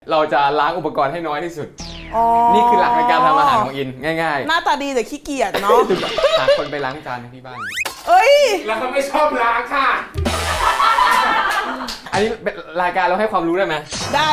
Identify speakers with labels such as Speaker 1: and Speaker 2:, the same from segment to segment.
Speaker 1: เราจะล้างอุปกรณ์ให้น้อยที่สุดนี่คือหลักในการทำอาหารของอินง่าย
Speaker 2: ๆหน้าตาดีแต่ขี้เกียจเนาะ
Speaker 1: หาคนไปล้างจานที่บ้าน
Speaker 2: เอ้ย
Speaker 3: แล้วก็ไม่ชอบล้างค่ะ
Speaker 1: อันนี้รายการเราให้ความรู้ได้ไหม
Speaker 2: ได้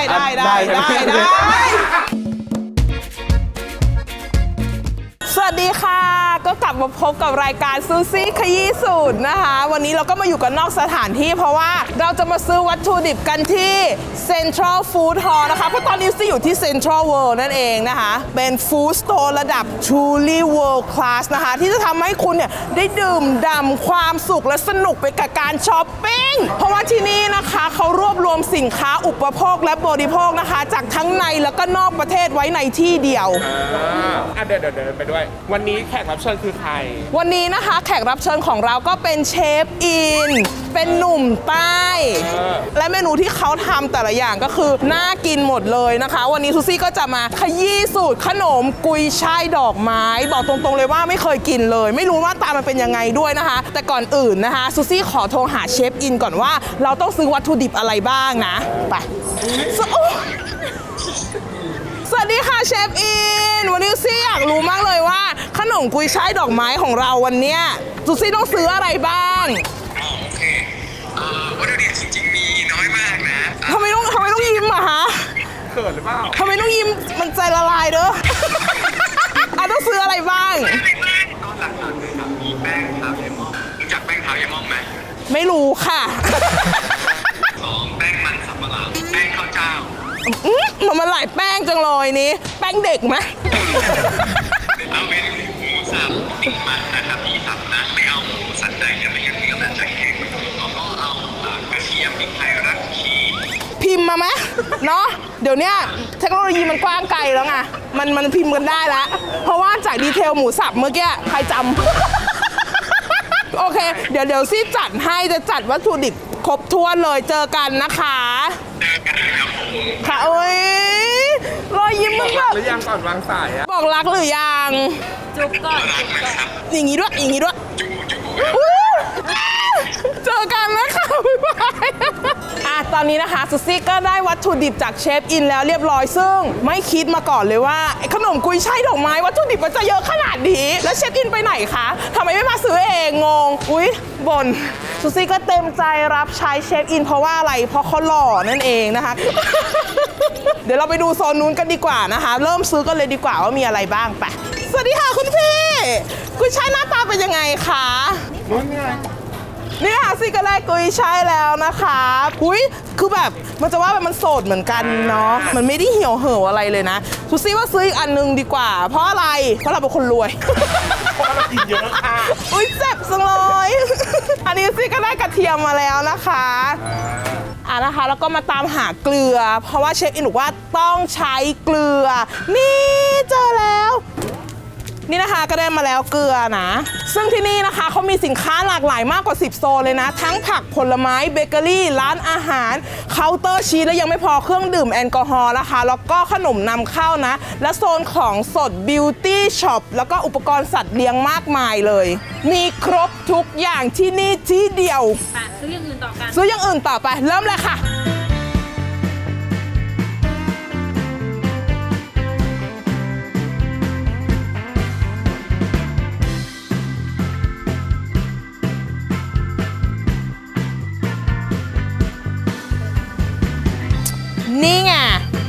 Speaker 2: สวัสดีค่ะก็กลับมาพบกับรายการซูซี่ขยี้สูตรนะคะวันนี้เราก็มาอยู่กันนอกสถานที่เพราะว่าเราจะมาซื้อวัตถุดิบกันที่ Central Food Hall นะคะเพราะตอนนี้ซี่อยู่ที่ Central World นั่นเองนะคะเป็นฟู้ดสโตร์ระดับ Truly World Class นะคะที่จะทำให้คุณเนี่ยได้ดื่มด่ำความสุขและสนุกไปกับการช้อปปิ้งเพราะว่าที่นี่นะคะเขารวบรวมสินค้าอุปโภคและบริโภคนะคะจากทั้งในแล้วก็นอกประเทศไว้ในที่เดียว
Speaker 3: เดินไปด้วยวันนี้แขกรับเชิญคือใคร
Speaker 2: วันนี้นะคะแขกรับเชิญของเราก็เป็นเชฟอินเป็นหนุ่มใต้และเมนูที่เขาทำแต่ละอย่างก็คือน่ากินหมดเลยนะคะวันนี้ซูซี่ก็จะมาขยี้สูตรขนมกุยช่ายดอกไม้บอกตรงๆเลยว่าไม่เคยกินเลยไม่รู้ว่าตามันเป็นยังไงด้วยนะคะแต่ก่อนอื่นนะคะซูซี่ขอโทรหาเชฟอินก่อนว่าเราต้องซื้อวัตถุดิบอะไรบ้างนะไปสวัสดีค่ะเชฟอินวันนี้ซูซี่อยากรู้มากเลยว่าขนมกุยช่ายดอกไม้ของเราวันนี้ซูซี่ต้องซื้ออะไรบ้าง
Speaker 4: โอเควัตถุดิบจริงๆมีน้อยมากนะ
Speaker 2: ทำไมต้องยิ้มอะฮะ
Speaker 3: เขินหรือเปล่า
Speaker 2: ทำไมต้องยิ้มมันใจละลายเด้อต้องซื้ออะไรบ้าง
Speaker 4: ตอนหลักๆเลยครับมีแป้งเท้าเยมองรู้จักแป้งเท้าเยมองไหม
Speaker 2: ไม่รู้ค่ะ
Speaker 4: 2แป้งมันสำปะหลังแป้งข้าวเจ้า
Speaker 2: มันหลายแป้งจังเลยนี้แป้งเด็กไหม
Speaker 4: เอาเป็นหมูสับติดมันนะครับที่สับนะไม่เอาหมูสันในกันไม่งั้นเนื้อมันจะแข็งแล้วก็เอากระเทียมพริกไทยรากชี
Speaker 2: พิมพ์มาไหมเนาะเดี๋ยวนี้เทคโนโลยีมันกว้างไกลแล้วไงมันพิมพ์กันได้แล้วเพราะว่าจากดีเทลหมูสับเมื่อกี้ใครจำโอเคเดี๋ยวซี่จัดให้จะจัดวัตถุดิบครบถ้วนเลยเจอกันนะคะค่ะโอ้ยรอยยิ้มมันแบบ
Speaker 3: หรือยังก่อนวางสายอะ
Speaker 2: บอกรักหรือยัง
Speaker 4: จุ๊บก่อน
Speaker 2: อย่างงี้ด้วยเจอกันนะคะบ๊ายบายตอนนี้นะคะซูซี่ก็ได้วัตถุดิบจากเชฟอินแล้วเรียบร้อยซึ่งไม่คิดมาก่อนเลยว่าขนมกุยช่ายดอกไม้วัตถุดิบมันจะเยอะขนาดนี้แล้วเชฟอินไปไหนคะทำไมไม่มาซื้อเองงงอุ๊ยบ่นซูซี่ก็เต็มใจรับใช้เชฟอินเพราะว่าอะไรเพราะเขาหล่อนั่นเองนะคะเดี๋ยวเราไปดูโซนนู้นกันดีกว่านะคะเริ่มซื้อกันเลยดีกว่าว่ามีอะไรบ้างไปสวัสดีค่ะคุณพี่กุยช่ายหน้าตาเป็นยังไงคะ
Speaker 3: นู้นไง
Speaker 2: นี่ค่ะซี่ก็ได้กุยช่ายแล้วนะคะอุ้ยคือแบบมันจะว่ามันโสดเหมือนกันเนาะมันไม่ได้เหี่ยวเหี่ยวอะไรเลยนะซูซี่ว่าซื้ออีกอันนึงดีกว่าเพราะอะไรเพราะเราเป็นคนรวย
Speaker 3: เพราะเรากินเยอะค่ะ
Speaker 2: อุ้ยเจ็บจังเลยอันนี้ซี่ก็ได้กระเทียมมาแล้วนะคะนะคะแล้วก็มาตามหาเกลือเพราะว่าเชฟอินบอกว่าต้องใช้เกลือนี่เจอแล้วนี่นะคะก็ได้มาแล้วเกลือนะซึ่งที่นี่นะคะเขามีสินค้าหลากหลายมากกว่า10โซนเลยนะทั้งผักผลไม้เบเกอรี่ร้านอาหารเคาน์เตอร์ชีสและยังไม่พอเครื่องดื่มแอลกอฮอล์นะคะแล้วก็ขนมนำเข้านะและโซนของสดบิวตี้ช็อปแล้วก็อุปกรณ์สัตว์เลี้ยงมากมายเลยมีครบทุกอย่างที่นี่ที่เดียว
Speaker 5: ซื้ออย่างอื่นต่อกัน
Speaker 2: ซื้ออย่างอื่นต่อไปเริ่มเลยค่ะนี่ไง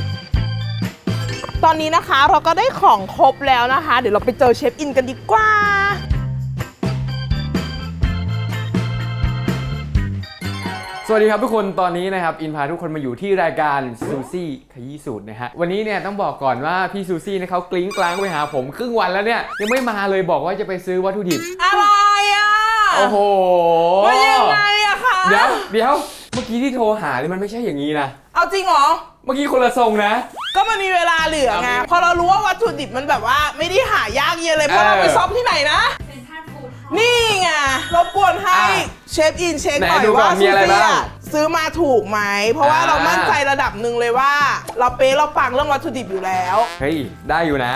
Speaker 2: ตอนนี้นะคะเราก็ได้ของครบแล้วนะคะเดี๋ยวเราไปเจอเชฟอินกันดีกว่า
Speaker 1: สวัสดีครับทุกคนตอนนี้นะครับอินพาทุกคนมาอยู่ที่รายการซูซี่ขยี้สูตรนะฮะวันนี้เนี่ยต้องบอกก่อนว่าพี่ซูซี่เนี่ยเขากลิ้งกลางไปหาผมครึ่งวันแล้วเนี่ยยังไม่มาเลยบอกว่าจะไปซื้อวัตถุดิบ
Speaker 2: อะไรอ่ะ
Speaker 1: โอ้โห
Speaker 2: ว่ายังไงอะคะ
Speaker 1: เดี๋ยวเมื่อกี้ที่โทรหาเนี่ยมันไม่ใช่อย่างนี้นะ
Speaker 2: เอาจริงเหรอ
Speaker 1: เมื่อกี้คนละทรงนะ
Speaker 2: ก็มันมีเวลาเหลือไงพอเรารู้ว่าวัตถุดิบมันแบบว่าไม่ได้หายากเย็นเลยเพราะเราไปซ้อมที่ไหนนะนี่ไงรบกวนให้เชฟอินเช็คหน่อยว่าซูซี่ซื้อมาถูกไหมเพราะว่าเรามั่นใจระดับหนึ่งเลยว่าเราเป๊ะเราปังเรื่องวัตถุดิบอยู่แล้ว
Speaker 1: เฮ้ยได้อยู่นะ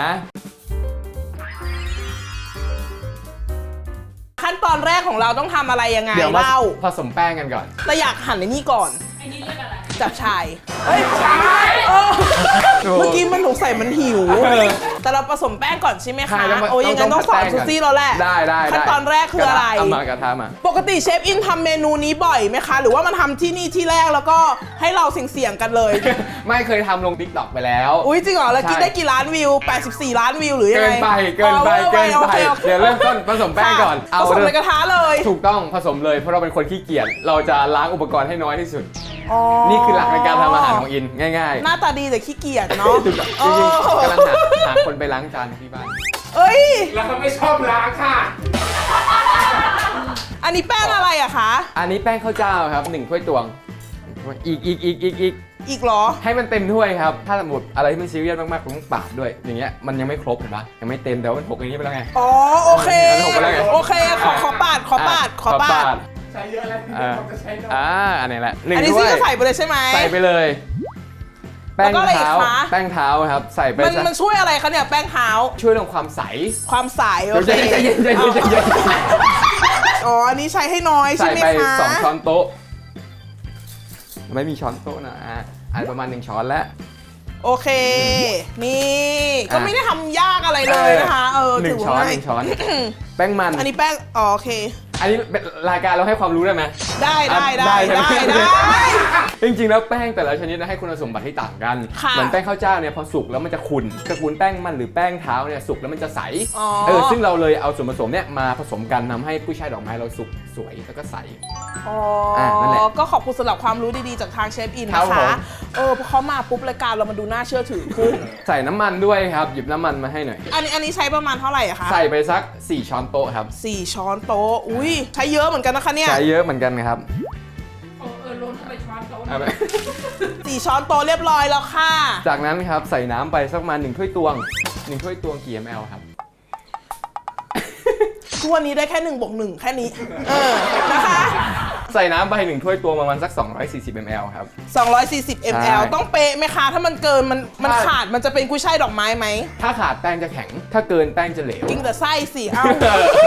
Speaker 2: ขั้นตอนแรกของเราต้องทำอะไรยังไง
Speaker 1: เดี๋ยวมาผสมแป้งกันก่อน
Speaker 2: แต่อยากหั่นในนี่ก่อน
Speaker 5: ไอ้นี่เรียกอะไร
Speaker 2: จับชายเฮ้ยชายเมื่อกี้มันหนูใส่มันหิว แต่เราผสมแป้งก่อนใช่ไหม
Speaker 1: ใช่
Speaker 2: คะ
Speaker 1: แล้วมัน
Speaker 2: โอ้ยยังไงต้องสอนซูซี่เราแหละ
Speaker 1: ได้
Speaker 2: ขั้นตอนแรกคืออะไร
Speaker 1: เอามากระทะมา
Speaker 2: ปกติเชฟอินทำเมนูนี้บ่อยไหมคะ หรือว่ามันทำที่นี่ที่แรกแล้วก็ให้เราเสี่ยงกันเลย
Speaker 1: ไม่เคยทำลง TikTok ไปแล้ว
Speaker 2: อุ้ยจริงเหรอแล้วกิน
Speaker 1: ใช่
Speaker 2: ได้กี่ล้านวิว 84 ล้านวิวหรือยัง
Speaker 1: เกิ
Speaker 2: ไง
Speaker 1: นไปเกินไป
Speaker 2: โอค
Speaker 1: เดี๋ยวเริ่มต้นผสมแป้งก่อน
Speaker 2: ค่ะผสมในกระทะเลย
Speaker 1: ถูกต้องผสมเลยเพราะเราเป็นคนขี้เกียจเราจะล้างอุปกรณ์ให้น้อยที่สุด
Speaker 2: อ๋อ
Speaker 1: นี่คือหลักในการทำอาหารของอินง่าย
Speaker 2: หน้าตาดีแต่ขี้เกียจเนาะ
Speaker 1: ๆถูกต้องจริงๆกำลังหาคนไปล้างจานที่บ้าน
Speaker 2: เอ้ย
Speaker 3: แล้วก็ไม่ชอบล้างค่ะ
Speaker 2: อันนี้แป้งอะไรอะคะ
Speaker 1: อันนี้แป้งข้าวเจ้าครับ1 ถ้วยตวงอีก
Speaker 2: อีกเหรอ
Speaker 1: ให้มันเต็มถ้วยครับถ้าสมมติอะไรที่มันซีเรียสมากๆผมต้องปาดด้วยอย่างเงี้ยมันยังไม่ครบเห็นปะยังไม่เต็มแต่ว่ามันหกอย่างนี้ไปแล้วไง
Speaker 2: อ๋อโอเค
Speaker 1: อันนี้ผมไปแล้วไง
Speaker 2: โอเคขอปาด
Speaker 3: ใช้เยอะแล้วที่
Speaker 1: อ่า
Speaker 3: ผมจะใช้น้อย
Speaker 1: อันนี้แหละหนึ่
Speaker 2: อั
Speaker 1: ง
Speaker 2: นนี้
Speaker 1: ถ้ว
Speaker 2: ซี่
Speaker 1: ย
Speaker 2: ก็ใส่ไปเลยใช่ไหม
Speaker 1: ใส่ไปเลย แป้ง
Speaker 2: แล้วก็อะไรอีก
Speaker 1: เท้า
Speaker 2: คะ
Speaker 1: แป้งเท้าครับใส่ไป
Speaker 2: มันช่วยอะไรคะเนี่ยแป้งเท้า
Speaker 1: ช่วยเรื่องความใส
Speaker 2: ความใสโอเค
Speaker 1: ใจเย็น
Speaker 2: อ๋ออันนี้ใช้ให้น้อยใช่
Speaker 1: ใส่
Speaker 2: ไหม
Speaker 1: ไป
Speaker 2: คะ
Speaker 1: 2 ช้อนโต๊ะไม่มีช้อนโต๊ะนะอันประมาณ1 ช้อนแล้ว
Speaker 2: โอเค นี่ก็ไม่ได้ทำยากอะไรเลยนะคะ
Speaker 1: หนึ่
Speaker 2: ถื
Speaker 1: ง
Speaker 2: ว่า
Speaker 1: ช้อน
Speaker 2: ง่าย
Speaker 1: 1 ช้อน แป้งมัน
Speaker 2: อันนี้แป้งอ๋อโอเค
Speaker 1: อันนี้เป็นรายการเราให้ความรู้ได้ไหม
Speaker 2: ได้
Speaker 1: จริงๆแล้วแป้งแต่ละชนิดนะให้คุณสมบัติที่ต่างกัน
Speaker 2: ค่ะ
Speaker 1: เหมือนแป้งข้าวเจ้าเนี่ยพอสุกแล้วมันจะขุ่นตระกูลแป้งมันหรือแป้งเท้าเนี่ยสุกแล้วมันจะใส
Speaker 2: อ๋อ
Speaker 1: ซึ่งเราเลยเอาส่วนผสมเนี่ยมาผสมกันทำให้กุ้ยช่ายดอกไม้เราสุกสวยแล้วก็ใส
Speaker 2: อ๋อ
Speaker 1: นั่นแหละ
Speaker 2: ก็ขอบคุณสำหรับความรู้ดีๆจากทางเชฟอิน
Speaker 1: ครับ
Speaker 2: นะ
Speaker 1: ผ
Speaker 2: คะ
Speaker 1: ม
Speaker 2: พอเขามาปุ๊บรายการเรามันดูน่าเชื่อถือขึ้น
Speaker 1: ใส่น้ำมันด้วยครับหยิบน้ำมันมาให้หน่อย
Speaker 2: อันนี้ใช้ประมาณเท่าไหร่อะคะ
Speaker 1: ใส่ไปสัก4 ช้อนโต๊ะครับ
Speaker 2: 4 ช้อนโต๊ะอุ้ยใช้เยอะเหมือนกันนะคะเนี่ย
Speaker 1: ใช้เยอะเหมือนกันครับ
Speaker 3: ลงเข้าไปช้อนโต๊ะ
Speaker 1: เอาไป
Speaker 2: 4 ช้อนโต๊ะเรียบร้อยแล้วค่ะ
Speaker 1: จากนั้นครับใส่น้ำไปสักประมาณ1 ถ้วยตวง1 ถ้วยตวงกี่ ml ครับ
Speaker 2: ทุกวันนี้ได้แค่1 บวก 1แค่นี้นะคะ
Speaker 1: ใส่น้ำไป1 ถ้วยตวงประมาณสัก240 ml ครับ
Speaker 2: 240 ml ต้องเป๊ะไหมคะ ถ้ามันเกินมันขาดมันจะเป็นกุ้ยช่ายดอกไม้ไหม
Speaker 1: ถ้าขาดแป้งจะแข็ง ถ้าเกินแป้งจะเหลว
Speaker 2: กินแต่ไส้สิ เอ้า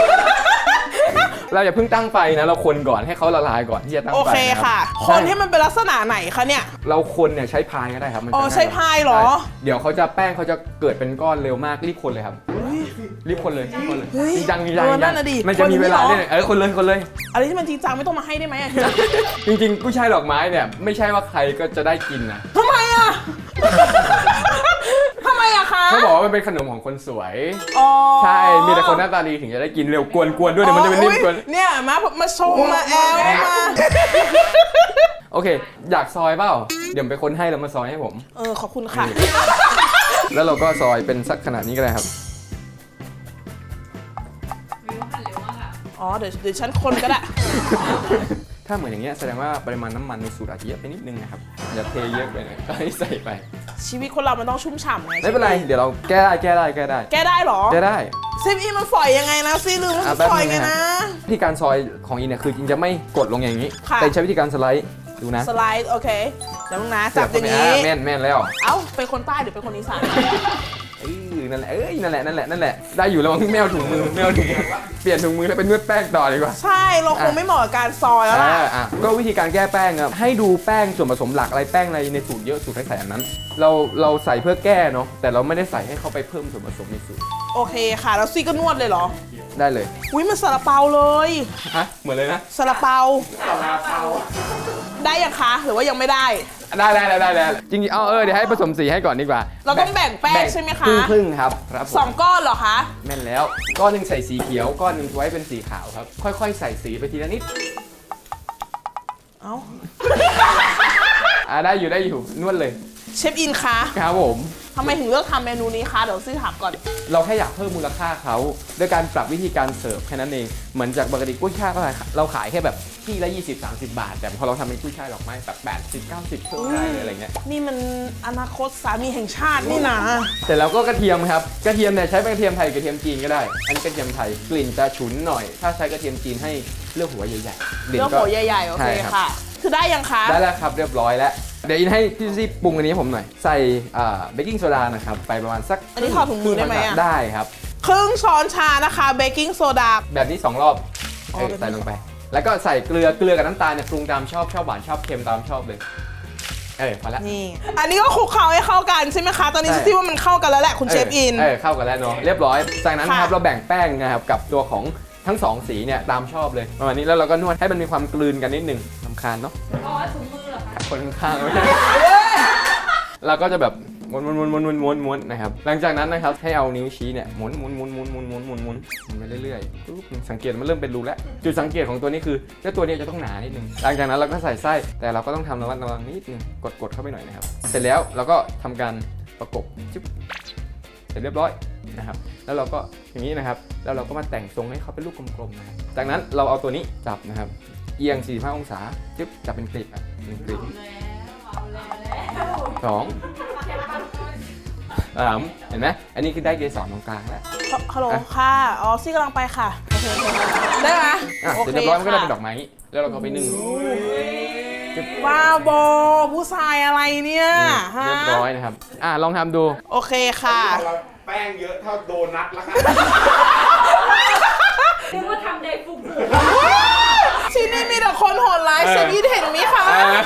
Speaker 1: เราอย่าเพิ่งตั้งไฟนะ เราคนก่อนให้เขาละลายก่อนที่จะตั้งไฟ
Speaker 2: โอเค
Speaker 1: นะ
Speaker 2: ค่ะ
Speaker 1: รับ
Speaker 2: คนให้มันเป็นลักษณะไหนคะเนี่ย
Speaker 1: เราคนเนี่ยใช้พายก็ได้ครับมันจะ
Speaker 2: อ๋อ
Speaker 1: ง่กว่
Speaker 2: ใช้พายเหรอ
Speaker 1: ใช่เดี๋ยวเขาจะแป้งเขาจะเกิดเป็นก้อนเร็วมากรีบคนเลยครับรีบคนเลยคนเลย
Speaker 2: เฮ้ย
Speaker 1: จริงจัง
Speaker 2: นั่นน่ะดิ
Speaker 1: มันจะมีเวลา
Speaker 2: คน
Speaker 1: เนี่ยคนเลย
Speaker 2: อะไรที่มันจริงจังไม่ต้องมาให้ได้ไหมอะ
Speaker 1: จริงๆกุ้ยช่ายดอกไม้เนี่ยไม่ใช่ว่าใครก็จะได้กินนะ
Speaker 2: ทำไมอะทำไมอะคะ
Speaker 1: เขาบอกว่ามันเป็นขนมของคนสวย
Speaker 2: อ๋อ
Speaker 1: ใช่มีแต่คนหน้าตาดีถึงจะได้กินเร็วกวนๆด้วยเดี๋ยวมันจะเป็นนิ่มกวน
Speaker 2: เนี่ยมาชงมาแอลมา
Speaker 1: โอเค อยากซอยเปล่าเดี๋ยวไปคนให้แล้วมาซอยให้ผม
Speaker 2: ขอบคุณค่ะ
Speaker 1: แล้วเราก็ซอยเป็นสักขนาดนี้ก็ได้ครับ
Speaker 2: อ๋อเดี๋ยวฉันคนก็ได้
Speaker 1: ถ้าเหมือนอย่างเงี้ยแสดงว่าปริมาณน้ำมันในสูตรอาจจะเยอะไปนิดนึงนะครับอย่าเทเยอะไปเลยก็ให้ใส่ไป
Speaker 2: ชีวิตคนเรามันต้องชุ่มฉ่ำไง
Speaker 1: ไม่เป็นไรเดี๋ยวเราแก้ได้
Speaker 2: แก้ได้เหรอ
Speaker 1: แก้ได้
Speaker 2: ซิฟอีมันฝอยยังไงนะซีลืมว่ามัน
Speaker 1: แป๊บ
Speaker 2: ฝอย
Speaker 1: นึง
Speaker 2: ไง
Speaker 1: นะ
Speaker 2: นะ
Speaker 1: วิธีการซอยของอินเนี่ยคืออินจะไม่กดลงอย่างนี้
Speaker 2: ค่ะ
Speaker 1: แต่ใช้วิธีการสไลด์ดูนะ
Speaker 2: สไลด์โอเคเดี๋ยวมึงนะจับอย่าง
Speaker 1: นี้
Speaker 2: นี้
Speaker 1: แม่นแล้ว
Speaker 2: เอ้าเป็นคนใต้หรือเป็นคนอีสาน
Speaker 1: นั่นแหละนั่นแหละได้อยู่แล้วไม่เอาถุงมือเปลี่ยนถุงมือแล้วเป็นนวดแป้งต่อดีกว่า
Speaker 2: ใช่เราคงไม่เหมาะกับการซอยแล้วล่ะ
Speaker 1: ก็วิธีการแก้แป้งครับให้ดูแป้งส่วนผสมหลักอะไรแป้งอะไรในสูตรเยอะสูตรใส่อันนั้น เราใส่เพื่อแก้เนาะแต่เราไม่ได้ใส่ให้เขาไปเพิ่มส่วนผสมในสูตร
Speaker 2: โอเคค่ะแล้วซีก็นวดเลยเหรอ
Speaker 1: ได้เลย
Speaker 2: อุ้ยมันซาลาเปาเลย
Speaker 1: ฮะเหมือนเลยนะ
Speaker 2: ซาลาเปาได้ยังคะหรือว่ายังไม่ได้
Speaker 1: ได้จริงๆเดี๋ยวให้ผสมสีให้ก่อนดีกว่า
Speaker 2: เราต้องแบ่งแป้งใช่ไหมคะ
Speaker 1: ครึ่งครับครับผม
Speaker 2: 2 ก้อนเหรอคะ
Speaker 1: แม่นแล้วก้อนหนึ่งใส่สีเขียวก้อนหนึ่งไว้เป็นสีขาวครับค่อยๆใส่สีไปทีละนิด
Speaker 2: เอ้า
Speaker 1: ได้อยู่นวดเลย
Speaker 2: เชฟอินคะ
Speaker 1: ครับผม
Speaker 2: ทำไมถึงเลือกทำเมนูนี้คะเดี๋ยวซีถามก่อน
Speaker 1: เราแค่อยากเพิ่มมูลค่าเขาด้วยการปรับวิธีการเสิร์ฟแค่นั้นเองเหมือนจากปกติกุ้ยช่ายเราขายแค่แบบที่ละ20-30 บาท แต่พอเราทำเป็นกุ้ยช่ายดอกไม้แบบ80-90เพิ่มได้เลยอะไรเงี้ย
Speaker 2: นี่มันอนาคตสามีแห่งชาตินี่นะ
Speaker 1: เสร็จแล้วก็กระเทียมครับกระเทียมเนี่ยใช้เป็นกระเทียมไทยกระเทียมจีนก็ได้อันนี้กระเทียมไทยกลิ่นจะฉุนหน่อย ถ้าใช้กระเทียมจีนให้เลือกหัวใหญ่ๆ
Speaker 2: เลือกหัวใหญ่ๆโอเค
Speaker 1: ใช่รับ
Speaker 2: ค่ะ คือได้ยังคะ
Speaker 1: ได้แล้วครับเรียบร้อยแล้วเดี๋ยวอินให้พี่ซี่ปรุงอันนี้ให้ผมหน่อยใส่เบกกิ้งโซดานะครับไปประมาณสัก
Speaker 2: อันนี้ถอดถุงมือได้ไหมอะ
Speaker 1: ได้ครับ
Speaker 2: ครึ่งช้อนชานะคะเบกกิ้งโซดา
Speaker 1: แบบนี้2 รอบ
Speaker 2: อ๋อแบบนี้
Speaker 1: ใส่ลงไป แล้วก็ใส่เกลือกับน้ำตาลเนี่ยปรุงตามชอบหวานชอบเค็มตามชอบเลยพอแล้ว
Speaker 2: นี่ อันนี้ก็คลุกเคล้าให้เข้ากันใช่ไหมคะ ตอนนี้ซูซี่ว่ามันเข้ากันแล้วแหละคุณเชฟอิน
Speaker 1: เข้ากันแล้วเนาะเรียบร้อยจากนั้นครับ
Speaker 2: ค่ะ
Speaker 1: เราแบ่งแป้งนะครับกับตัวของทั้งสองสีเนี่ยตามชอบเลยประมาณนี้แล้วเราก็นวดให้มันมีความกลืนกันนิดนึงรำคาญเนาะ
Speaker 5: อ๋อถุงมือเหรอคะ
Speaker 1: คนข้างๆไม่ใช่เราก็จะแบบม้วนนะครับหลังจากนั้นนะครับให้เอานิ้วชี้เนี่ยหมุนไปเรื่อยๆปุ๊บสังเกตมันเริ่มเป็นรูแล้วจุดสังเกตของตัวนี้คือเจ้าตัวนี้จะต้องหนานิดนึงหลังจากนั้นเราก็ใส่ไส้แต่เราก็ต้องทำระวังนิดนึงกดเข้าไปหน่อยนะครับเสร็จแล้วเราก็ทำการประกบจิ๊บเสร็จเรียบร้อยนะครับแล้วเราก็อย่างนี้นะครับแล้วเราก็มาแต่งทรงให้เขาเป็นลูกกลมๆนะครับจากนั้นเราเอาตัวนี้จับนะครับเอียง45องศาจิ๊บจับเป็นกลีบเป็นกลีบ
Speaker 5: เอาแล้ว
Speaker 1: 2 3เห็นไหมอันนี้คือได้เกสรตรงกลางแล้ว
Speaker 2: ฮัลโหลค่ะ อ๋อซี่กำลังไปค่ะ ได้ไหม
Speaker 1: เสร็จเรียบร้อยมันก็ได้เป็นดอกไม้แล้วเราก็ไปนึ่ง
Speaker 2: บ้าบอผู้ชายอะไรเนี่ยฮะ
Speaker 1: เรียบร้อยนะครับลองทำดู
Speaker 2: โอเคค่ะ
Speaker 3: เราแป้งเยอะเท่าโดนัทแล้วค่ะ
Speaker 5: นึกว่าทำเดย์ฟูฟู
Speaker 2: ที่นี่มีแต่คนโหดร้ายเชฟอินเห็นไหมคะ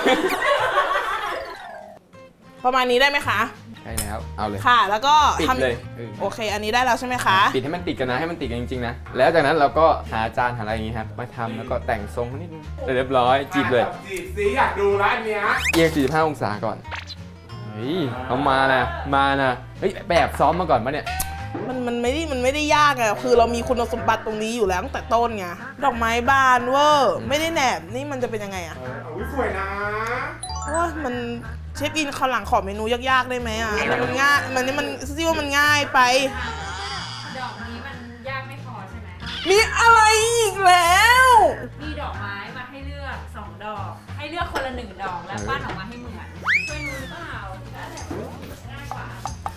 Speaker 2: ประมาณนี้ได้ไหมคะ
Speaker 1: ใช่แล้วเอาเลย
Speaker 2: ค่ะ แล้วก็
Speaker 1: ปิด
Speaker 2: ทำ
Speaker 1: เลย
Speaker 2: โอเค อันนี้ได้แล้วใช่ไหมคะ
Speaker 1: ปิดให้มันติดกันนะให้มันติดกันจริงๆนะแล้วจากนั้นเราก็หาจานหาอะไรอย่างงี้ครับมาทำแล้วก็แต่งทรงนิดนึงเสร็จเรียบร้อยจีบเลย
Speaker 3: จีบสิอยากดูร้านเนี้ย
Speaker 1: เอียง45องศาก่อนเฮ้ยเอามานะเฮ้ยแบบซ้อมมาก่อนปะเนี่ย
Speaker 2: มันไม่ได้ยากอะคือเรามีคุณสมบัติตรงนี้อยู่แล้วตั้งแต่ต้นไง ดอกไม้บานเวอร์ไม่ได้แหนบ นี่มันจะเป็นยังไงอะ
Speaker 3: อุ้ยสวยนะ
Speaker 2: ว่ามันเชฟอินคราวหลังขอเมนูยากๆได้ไหมอะมันง่าย มันซี่ว่ามันง่ายไป
Speaker 5: ดอกนี้มันยากไม่พอใช่ไหม
Speaker 2: มีอะไรอีกแล้ว
Speaker 5: มีดอกไม้มาให้เลือก2 ดอก ให้เลือกคนละ1 ดอกแล้วปั้นออกมาให้เหมือนช่วยรู้หรือเปล่าแล้วแต่ง่ายกว่า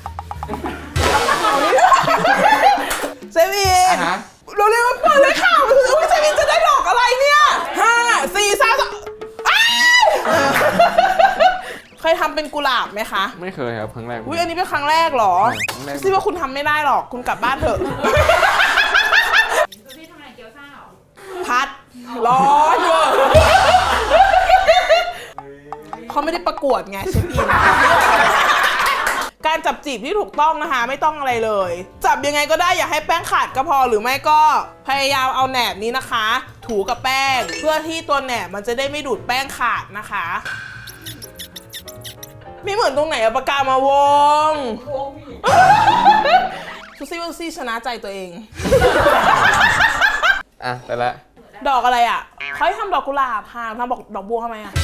Speaker 2: เซฟีนเราเรียกว่าเปิดเลยค่ะอุ้ยเซฟีนจะได้ดอกอะไรเนี่ย5 4 3 2เคยทำเป็นกุหลาบไหมคะ
Speaker 1: ไม่เคยครับครั้งแรก
Speaker 2: อุ้ยอันนี้เป็นครั้งแรกเหรอ
Speaker 1: ครั้งแรก
Speaker 2: ซี่ว่าคุณทำไม่ได้หรอก คุณกลับบ้านเถอะ
Speaker 5: ดูที่ทำอะไรเกี๊ยวซ่าเหรอ
Speaker 2: พัด ร้อนเวอร์เขาไม่ได้ประกวดไงเชฟอิน การจับจีบที่ถูกต้องนะคะ ไม่ต้องอะไรเลย จับยังไงก็ได้อย่าให้แป้งขาดก็พอหรือไม่ก็พยายามเอาแหนบนี้นะคะ ถูกับแป้ง เพื่อที่ตัวแหนบมันจะได้ไม่ดูดแป้งขาดนะคะ ไม่เหมือนตรงไหนอะปากกามาวงซูซี่ว่าซูซี่ชนะใจตัวเอง
Speaker 1: ไปละ
Speaker 2: ดอกอะไรอ่ะเขาให้ทำดอกกุหลาบค่ะทำดอกบัวทำไมอ่ะ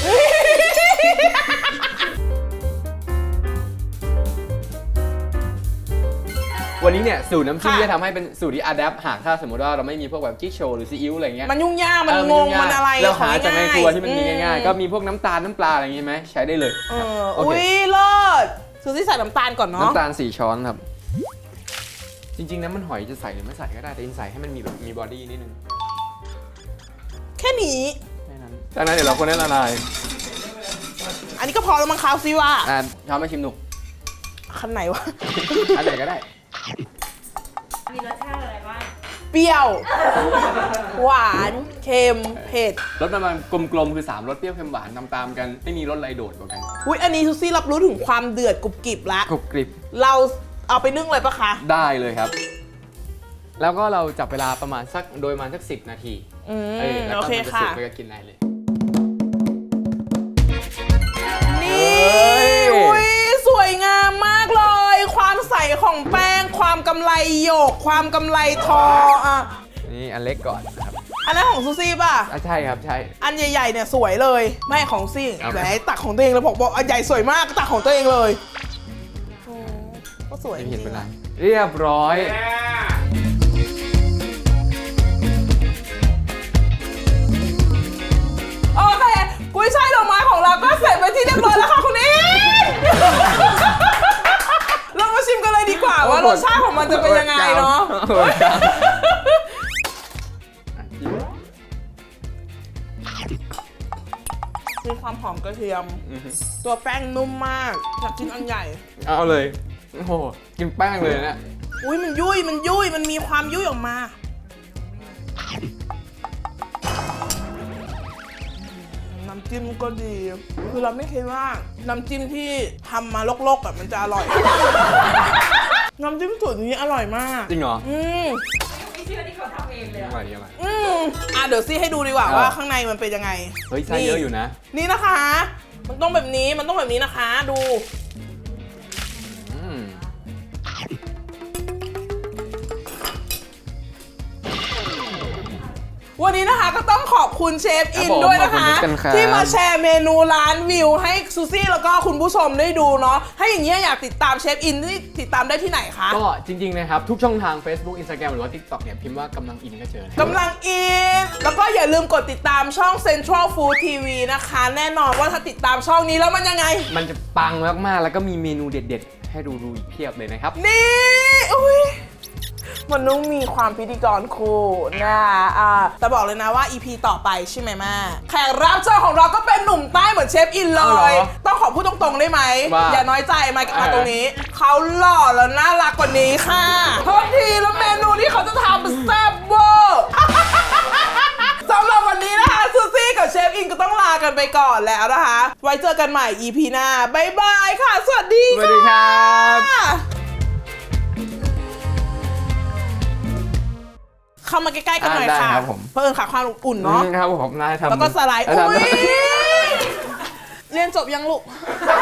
Speaker 1: วันนี้เนี่ยสูตรน้ำจิ้ม
Speaker 2: ค่ะ
Speaker 1: จะทำให้เป็นสูตรที่อะแดปหากถ้าสมมติว่าเราไม่มีพวกแบบกิ๊กโชว์หรือซีอิ๊วอะไรเงี้ย
Speaker 2: มันยุ่งยาก มันงง มันอะไร
Speaker 1: เราหา
Speaker 2: ของ
Speaker 1: จากในครัวที่มันมี
Speaker 2: อื
Speaker 1: ง่ายๆ ก็มีพวกน้ำตาลน้ำปลาอะไรอย่างงี้ไหมใช้ได้เลย
Speaker 2: เอ
Speaker 1: ครับ
Speaker 2: อ
Speaker 1: โอ
Speaker 2: อุ้
Speaker 1: เค
Speaker 2: ยเลิศซูซี่ใส่น้ำตาลก่อนเนาะ
Speaker 1: น้ำตาล4 ช้อนครับ จริงๆน้ำมันหอยจะใส่หรือไม่ใส่ก็ได้แต่อินใส่ให้มันมีแบบมีบอดี้นิดนึง
Speaker 2: แค่นี้
Speaker 1: แค่นั้นจากนั้นเดี๋ยวเราคนให้ละลาย
Speaker 2: อันนี้ก็พอแล้วมั้งคะซิว่า
Speaker 1: ช้อนมาชิมดู
Speaker 2: คันไหนวะ
Speaker 1: อันไหนก็ได้
Speaker 5: มีรสชาติอะไรบ้าง
Speaker 2: เปรี้ยว หวาน เค็ม เผ็ด
Speaker 1: รสประมาณกลมๆคือ3รสเปรี้ยวเค็มหวานตามๆกันไม่มีรสอะไรโดดกว่ากัน
Speaker 2: อุ้ยอันนี้ซูซี่รับรู้ถึงความเดือดกรุบกริบละ
Speaker 1: กรุบกริบ
Speaker 2: เราเอาไปนึ่งเลยปะคะ
Speaker 1: ได้เลยครับ แล้วก็เราจับเวลาประมาณสักโดยประมาณสัก10 นาที แล้ว
Speaker 2: โอ
Speaker 1: ก็
Speaker 2: เค
Speaker 1: มันจะ
Speaker 2: ค่ะ
Speaker 1: สุกไปก็กินได้เลย
Speaker 2: นี่
Speaker 1: เฮ้ย
Speaker 2: อุ้ยสวยงามมากเลย ความใสของแป้ง ความกำไรหยก ความกำไรทออ่ะ
Speaker 1: นี่อันเล็กก่อนนะครับ
Speaker 2: อันนั้นของซูซี่ป่ะ
Speaker 1: ใช่ครับใช่
Speaker 2: อันใหญ่ๆเนี่ยสวยเลย ไม่ของซี่
Speaker 1: เอา
Speaker 2: แหมตักของตัวเองเลยบอกอันใหญ่สวยมากตักของตัวเองเลยโอ้ก็สวยจ
Speaker 1: ไม่
Speaker 2: ริ
Speaker 1: เห็น
Speaker 2: ง
Speaker 1: เป็น
Speaker 2: ๆ
Speaker 1: ไร
Speaker 2: อะ
Speaker 1: เรียบร้อย
Speaker 3: แม่
Speaker 2: โอเคกุ้ยช่ายดอกไม้ของเราก็เสร็จไปที่เรียบร้อยแล้วค่ะคุณอิน เรามาชิมกันเลยดีกว่าว่ารสชาติของมันจะเป็นยังไงเนาะ มีความหอมกระเทียม ตัวแป้งนุ่มมากอยากกินอันใหญ่
Speaker 1: เอาเลย โอ้โห กินแป้งเลยเนี่ย
Speaker 2: อุ้ยมันยุ่ยมันมีความยุ่ยออกมาน้ำจิ้มก็ดี คือเราไม่คิดว่าน้ำจิ้มที่ทำมาลกๆแบบมันจะอร่อย น้ำจิ้มสูตรนี้อร่อยมาก
Speaker 1: จริงเหรอ
Speaker 5: ไม่เชื่อที่เขาทำเองเลย
Speaker 1: อร่อยดีอร่อย
Speaker 2: เดี๋ยวซี่ให้ดูดีกว่าว่าข้างในมันเป็นยังไง
Speaker 1: เฮ้ยไส้เยอะอยู่นะ
Speaker 2: นี่นะคะ มันต้องแบบนี้นะคะดู
Speaker 1: อืม
Speaker 2: วันนี้นะคะก็ต้องขอบคุณเชฟอิน
Speaker 1: ครับผม
Speaker 2: ด้วยนะคะ
Speaker 1: ขอบคุณครับ
Speaker 2: ที่มาแชร์เมนูร้านวิวให้ซูซี่แล้วก็คุณผู้ชมได้ดูเนาะถ้าอย่างนี้ยอยากติดตามเชฟอินนี่ติดตามได้ที่ไหนคะ
Speaker 1: ก็จริงๆนะครับ ทุกช่องทาง Facebook Instagram หรือว่า TikTok เนี่ยพิมพ์ว่ากำลังอินก็เจอนะ
Speaker 2: กำลังอินแล้วก็อย่าลืมกดติดตามช่อง Central Food TV นะคะ แน่นอนว่าถ้าติดตามช่องนี้แล้วมันยังไง
Speaker 1: มันจะปังมากๆ แล้วก็มีเมนูเด็ดๆ ให้ดูอีกเพียบเลยนะครับ
Speaker 2: นี่อุ้ยมันต้องมีความพิธีกรคู่นะแต่บอกเลยนะว่า EP ต่อไปใช่ไหมแม่แขกรับเชิญของเราก็เป็นหนุ่มใต้เหมือนเชฟอินเล
Speaker 1: เอาเหร
Speaker 2: ย
Speaker 1: อ
Speaker 2: ต้องขอพูดตรงๆได้ไหม
Speaker 1: ว่า
Speaker 2: อย่าน้อยใจมาตรงนี้ เขาหล่อแล้วน่ารักกว่านี้ค่ะโทษทีแล้วเมนูที่เขาจะทำเป็นแซ่บเวอร์ สำหรับวันนี้นะคะซูซี่กับเชฟอินก็ต้องลากันไปก่อนแล้วนะคะ ไว้เจอกันใหม่ EP หน้าบ๊ายบายค่ะ สวัสดี
Speaker 1: สวัสดีครับ
Speaker 2: เข้ามาใกล้ๆกันหน่อย
Speaker 1: ได้
Speaker 2: ค่ะ
Speaker 1: ครับผม
Speaker 2: เพื่อขาความอุ่นเนาะ
Speaker 1: ครับผมนายทำ
Speaker 2: แล้วก็สไลด์
Speaker 1: ทำ
Speaker 2: อุ้ยเรียนจบยังลูก